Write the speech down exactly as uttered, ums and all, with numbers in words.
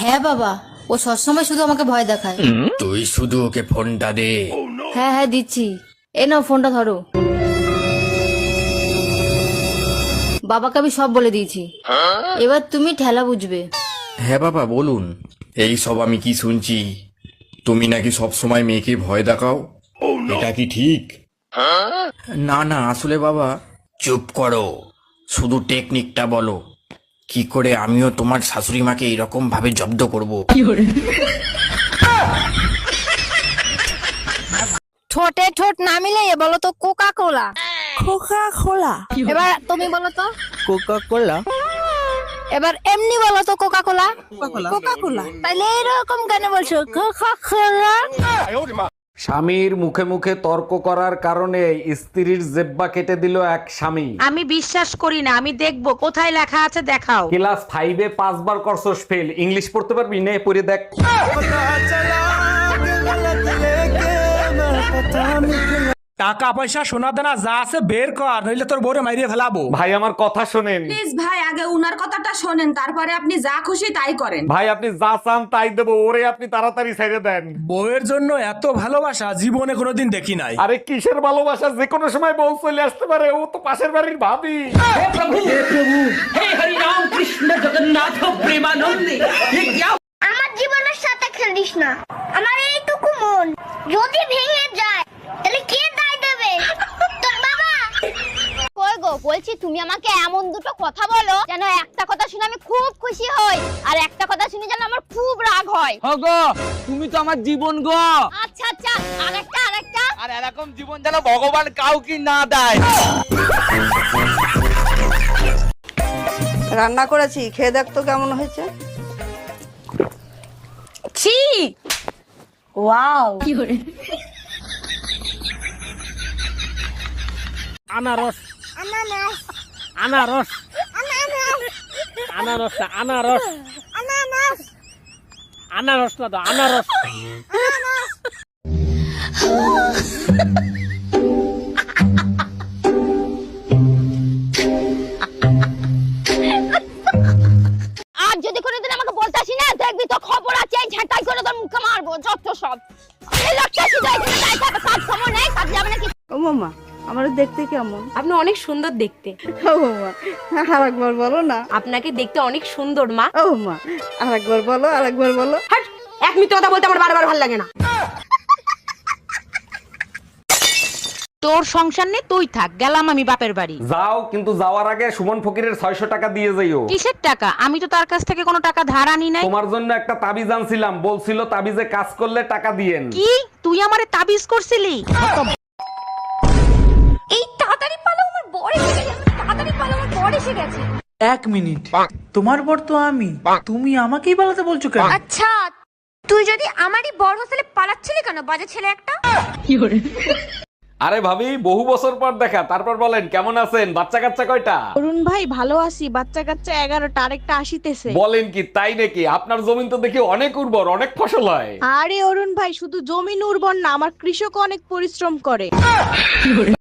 হ্যাঁ বাবা, ও সবসময় শুধু আমাকে ভয় দেখায়। তুই শুধু ওকে ফোনটা দে। হ্যাঁ হ্যাঁ দিচ্ছি, এ নাও ফোনটা ধরো। বাবাকে আমি সব বলে দিয়েছি, এবার তুমি ঠেলা বুঝবে। হ্যাঁ বাবা বলুন। এই সব আমি কি শুনছি? তুমি নাকি সব সময় মেয়েকে ভয় দেখাও, এটা কি ঠিক? না না, আসলে বাবা। চুপ করো, শুধু টেকনিকটা বলো, কি করে আমিও তোমার শাশুড়ি মাকে এরকম ভাবে জব্দ করব। ঠোঁটে ঠোঁট না মিলে বলো তো কোকা কোলা। Coca Cola. এবার তুমি বলো তো। Coca Cola. এবার এমনি বলো তো কোকা কোলা। কোকা কোলা। তাইলে এরকম কেন বলছো কোকা কোলা? স্বামীর মুখে মুখে তর্ক করার কারণে স্ত্রীর জেব্বা কেটে দিল এক স্বামী। আমি বিশ্বাস করি না, আমি দেখবো কোথায় লেখা আছে, দেখাও। ক্লাস ফাইভে পাঁচবার করছস ফেল, ইংলিশ পড়তে পারবি? নে পড়ে দেখ। টাকা পয়সা সোনা দানা যা আছে বের কর, নইলে তোর বউরে মাইরিয়ে ফেলাবো। ভাই আমার কথা শোনেন। প্লিজ ভাই, আগে উনার কথাটা শোনেন, তারপরে আপনি যা খুশি তাই করেন। ভাই আপনি যা চান তাই দেবো, ওরে আপনি তাড়াতাড়ি ছেড়ে দেন। বউয়ের জন্য এত ভালোবাসা জীবনে কোনোদিন দেখি নাই। আরে কিসের ভালোবাসা, যে কোনো সময় বউ চলে আসতে পারে, ও তো পাশের বাড়ির ভাবি। আমার জীবনের সাথে খেলিস না, আমার এইটুকু মন যদি ভেঙে যায় তাহলে কে দায় দেবে? তোর বাবা। কই গো, বলছি তুমি আমাকে এমন দুটো কথা বলো যেন একটা কথা শুনে আমি খুব খুশি হই, আর একটা কথা শুনে যেন আমার খুব রাগ হয়। গো তুমি তো আমার জীবন গো। আচ্ছা আচ্ছা, আরেকটা আরেকটা। আর এরকম জীবন যেন ভগবান কাউকে না দেয়। রান্না করেছি, খেয়ে দেখ তো কেমন হয়েছে। ছি, ওয়াও। আনারস আনারস আনারস আনারস আনারস আনারস আনারস আনারস না তো আনারস। আর যদি কোনোদিন আমাকে বলতে আসি না, দেখবি তো খবর আছে, এই ঝাঁটাই করে তোর মুখে মারবো যত সব। এই লোকটা শুধু এখানে তাই থাকে, কাজ সময় নেই, কাজ যাবে না কি? ও মামা, আমার দেখতে কেমন? আপনি অনেক সুন্দর দেখতে। ও মামা, আরেকবার বলো না। আপনাকে দেখতে অনেক সুন্দর মা। ও মা, আরেকবার বলো, আরেকবার বলো। হাট, এক মিনিট কথা বলতে আমার বারবার ভালো লাগে না। তোর সংসার নে, তুই থাক, গেলাম আমি বাপের বাড়ি। যাও, কিন্তু যাওয়ার আগে সুমন ফকিরের ছয়শো টাকা দিয়ে যাইও। কিসের টাকা? আমি তো তার কাছ থেকে কোনো টাকা ধার আনি নাই। তোমার জন্য একটা তাবিজ আনছিলাম, বলছিল তাবিজে কাজ করলে টাকা দিয়েন। কি তুই আমারে তাবিজ করছিলি? এই তাড়াতাড়ি পালো, আমার বর এসে গেছে, তাড়াতাড়ি পালো, আমার বর এসে গেছে। এক মিনিট, তোমার বর তো আমি, তুমি আমাকেই পালাতে বলছো কেন? আচ্ছা, তুই যদি আমারই বর হোস্টেলে পালাচ্ছিলি কেন, বাজে ছেলে একটা? আরে ভাবি, বহু বছর পর দেখা, তারপর বলেন কেমন আছেন? বাচ্চা কাচ্চা কয়টা? অরুণ ভাই ভালো আছি, বাচ্চা কাচ্চা এগারোটা, আরেকটা আসিতেছে। বলেন কি, তাই নাকি? আপনার জমিন তো দেখি অনেক উর্বর, অনেক ফসল হয়। আরে অরুণ ভাই, শুধু জমিন উর্বর না, আমার কৃষক অনেক পরিশ্রম করে।